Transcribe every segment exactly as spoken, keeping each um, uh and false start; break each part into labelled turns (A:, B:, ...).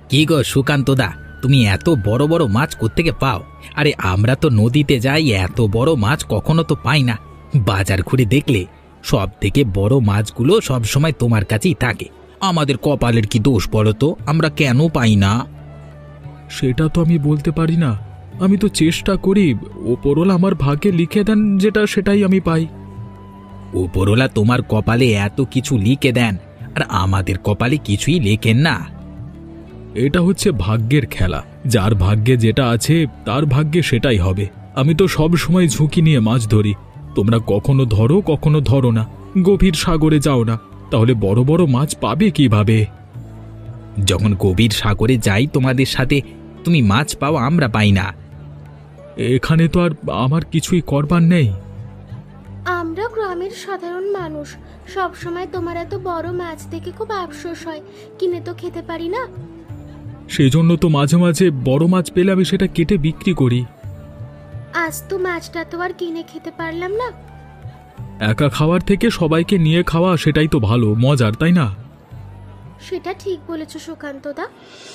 A: কি গো সুকান্তদা, তুমি এত বড় বড় মাছ কোত্থেকে পাও? আরে আমরা তো নদীতে যাই, এত বড় মাছ কখনো তো পাই না। বাজার ঘুরে দেখলে সব থেকে বড় মাছগুলো সব সময় তোমার কাছেই থাকে। আমাদের কপালের কি দোষ বলো তো, আমরা কেন পাই না?
B: সেটা তো আমি বলতে পারি না। আমি তো চেষ্টা করি, ওপরওয়ালা আমার ভাগ্যে লিখে দেন যেটা সেটাই আমি পাই।
A: উপরওয়ালা তোমার কপালে এত কিছু লিখে দেন, আর আমাদের কপালে কিছুই লেখেন না।
B: এটা হচ্ছে ভাগ্যের খেলা, যার ভাগ্যে যেটা আছে তার ভাগ্যে সেটাই হবে। আমি তো সব সময় ঝুঁকি নিয়ে মাছ ধরি। তোমরা কখনো ধরো কখনো ধরো না, গভীর সাগরে যাও না, তাহলে বড় বড় মাছ পাবে কিভাবে?
A: যখন গভীর সাগরে যাই তোমাদের সাথে, তুমি মাছ পাও, আমরা পাই না।
B: এখানে তো আর আমার কিছুই করবার নেই।
C: আমরা গ্রামের সাধারণ মানুষ, সব সময় তোমার এত বড় মাছ দেখে খুব আফসোস হয়, কিনে তো খেতে পারি না।
B: সেই জন্য তো মাঝে মাঝে বড় মাছ পেলে আমি সেটা কেটে বিক্রি করি।
C: আজ তো মাছটা তো আর কিনে খেতে পারলাম না।
B: একা খাওয়ার থেকে সবাইকে নিয়ে খাওয়া সেটাই তো ভালো, মজার, তাই না?
C: সেটা ঠিক বলেছ সুকান্তদা।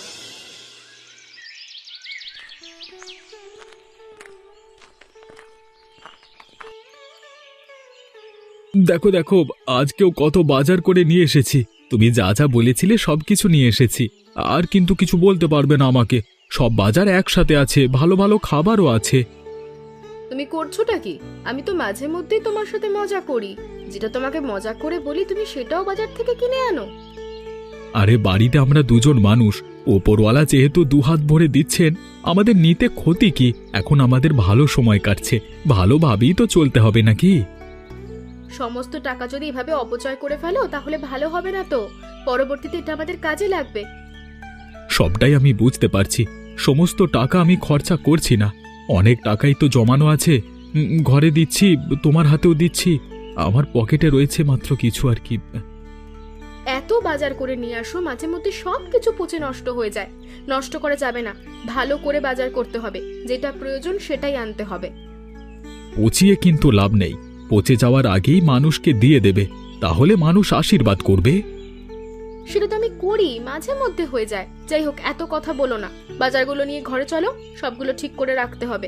B: দেখো দেখো, আজকেও কত বাজার করে নিয়ে এসেছি। তুমি যা যা বলেছিলে সবকিছু নিয়ে এসেছি। আর কিন্তু কিছু বলতে পারবে না আমাকে। সব বাজার একসাথে আছে, ভালো ভালো খাবারও আছে।
D: তুমি করছোটা কি? আমি তো মাঝে মধ্যেই তোমার সাথে মজা করি। যেটা তোমাকে মজা করে বলি তুমি সেটাও বাজার থেকে কিনে আনো।
B: আরে বাড়িতে আমরা দুজন মানুষ, ওপরওয়ালা যেহেতু দুহাত ভরে দিচ্ছেন, আমাদের নিতে ক্ষতি কি? এখন আমাদের ভালো সময় কাটছে, ভালোভাবেই তো চলতে হবে নাকি?
D: সমস্ত টাকা যদি এভাবে অপচয় করে ফেলো তাহলে ভালো হবে না তো। পরবর্তীতে এটা আমাদের কাজে লাগবে।
B: সবটাই আমি বুঝতে পারছি। সমস্ত টাকা আমি খরচা করছি না, অনেক টাকাই তো জমানো আছে। উম, ঘরে দিচ্ছি, তোমার হাতেও দিচ্ছি, আমার পকেটে রয়েছে মাত্র কিছু আর কি।
D: এত বাজার করে নিয়ে আসো, মাঝে মধ্যে সব কিছু পচে নষ্ট হয়ে যায়। নষ্ট করা যাবে না, ভালো করে বাজার করতে হবে। যেটা প্রয়োজন সেটাই আনতে হবে।
B: পচিয়ে কিন্তু লাভ নেই, পচে যাওয়ার আগেই মানুষকে দিয়ে দেবে, তাহলে মানুষ আশীর্বাদ করবে।
D: সেটা তো আমি করি, মাঝে মধ্যে হয়ে যায়। যাই হোক, এত কথা বলো না। বাজারগুলো নিয়ে ঘরে চলো, সবগুলো ঠিক করে রাখতে হবে।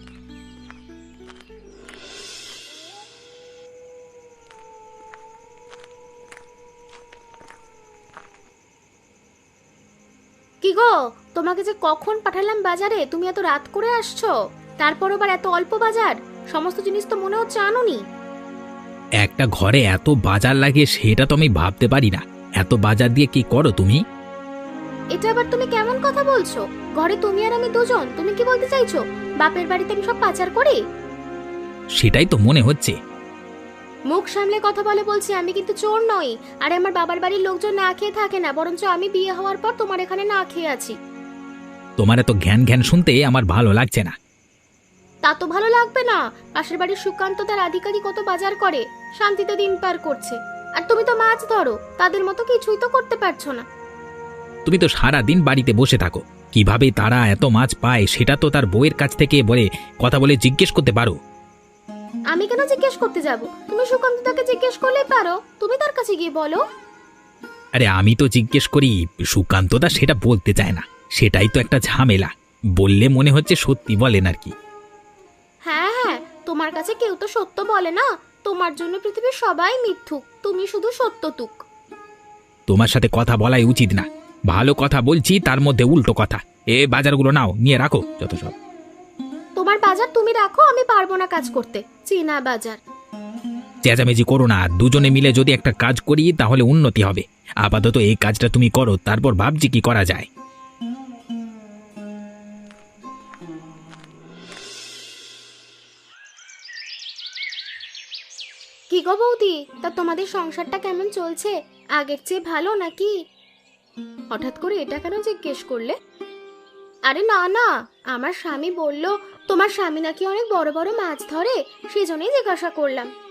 C: কি গো, তোমাকে যে কখন পাঠালাম বাজারে, তুমি এত রাত করে আসছো। তারপর আবার এত অল্প বাজার, সমস্ত জিনিস তো মনে হচ্ছে আনোনি।
A: একটা ঘরে এত বাজার লাগে সেটা তো আমি ভাবতে পারি না। এত বাজার দিয়ে কি করো তুমি?
C: এটা আবার তুমি কেমন কথা বলছো? ঘরে তুমি আর আমি দুজন, তুমি কি বলতে চাইছো বাপের বাড়িতে আমি সব পাচার করি?
A: সেটাই তো মনে হচ্ছে।
C: মুখ সামলে কথা বলে বলছি, আমি কিন্তু চোর নই। আর আমার বাবার বাড়ির লোকজন না খেয়ে থাকে না, বরঞ্চ আমি বিয়ে হওয়ার পর তোমার এখানে না খেয়ে আছি।
A: তোমার এত জ্ঞান জ্ঞান শুনতে আমার ভালো লাগছে না।
C: তা তো ভালো লাগবে না। পাশের বাড়ির সুকান্ত তার আধিকারিক কত বাজার করে, শান্তিতে দিন পার করছে। আর তুমি তো মাছ ধরো, তাদের মতো কিছুই তো করতে পারছো না।
A: তুমি তো সারা দিন বাড়িতে বসে থাকো, কিভাবে তারা এত মাছ পায় সেটা তো তার বউয়ের কাছ থেকে বলে কথা বলে জিজ্ঞেস করতে পারো।
C: আমি কেন জিজ্ঞেস করতে যাব? তুমি সুকান্ত তাকে জিজ্ঞেস করলেই পারো, তুমি তার কাছে গিয়ে বলো।
A: আরে আমি তো জিজ্ঞেস করি, সুকান্তদা সেটা বলতে চায় না। সেটাই তো একটা ঝামেলা। বললে মনে হচ্ছে সত্যি বলেন আর কি।
C: হ্যাঁ হ্যাঁ, তোমার কাছে কেউ তো সত্য বলে না। তোমার জন্য পৃথিবীর সবাই মিথ্যুক, তুমি শুধু সত্যতুক।
A: তোমার সাথে কথা বলাই উচিত না। ভালো কথা বলছি তার মধ্যে উল্টো কথা। এ বাজারগুলো নাও, নিয়ে রাখো যত সব।
C: তোমার বাজার তুমি রাখো, আমি পারবো না কাজ করতে। চীনা বাজার।
A: চেঁচামেচি করো না, দুজনে মিলে যদি একটা কাজ করি তাহলে উন্নতি হবে। আপাতত এই কাজটা তুমি করো, তারপর ভাবছি কি করা যায়।
C: কি গো বৌদি, তা তোমাদের সংসারটা কেমন চলছে? আগের চেয়ে ভালো নাকি?
D: হঠাৎ করে এটা কেন জিজ্ঞেস করলে?
C: আরে না না, আমার স্বামী বলল তোমার স্বামী নাকি অনেক বড় বড় মাছ ধরে, সেজন্যই জিজ্ঞাসা করলাম।